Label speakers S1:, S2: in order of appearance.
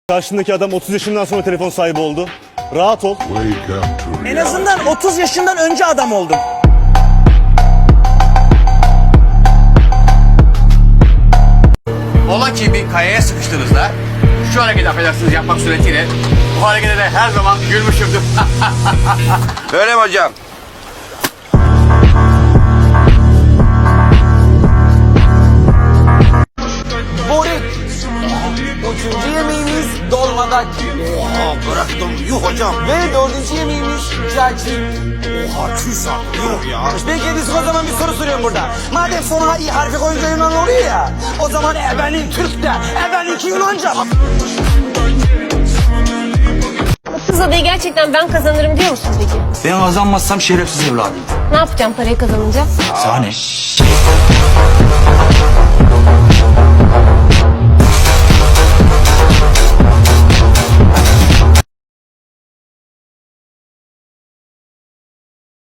S1: Karşındaki adam 30 yaşından sonra telefon sahibi oldu. Rahat ol.
S2: En azından 30 yaşından önce adam oldum.
S3: Ola ki bir kayaya sıkıştığınızda şu hareketi affedersiniz yapmak suretiyle bu harekete de her zaman gülmüşümdür. Öyle mi hocam?
S4: Börek. Üçüncü yemeğimiz dolmadak.
S5: Oha bıraktım yuh hocam.
S4: Ve dördüncü yemeğimiz cacık.
S5: Oha küsar yuh ya.
S4: Peki biz o zaman bir soru soruyorum burada. Madem sonuna i harfi koyunca Yunan oluyor ya. O zaman ebenin Türk'te, ebeninki Yunanca.
S6: Kız adayı gerçekten ben kazanırım diyor musun peki?
S5: Ben kazanmazsam şerefsiz evladım.
S6: Ne yapacağım parayı kazanınca?
S5: Sahne.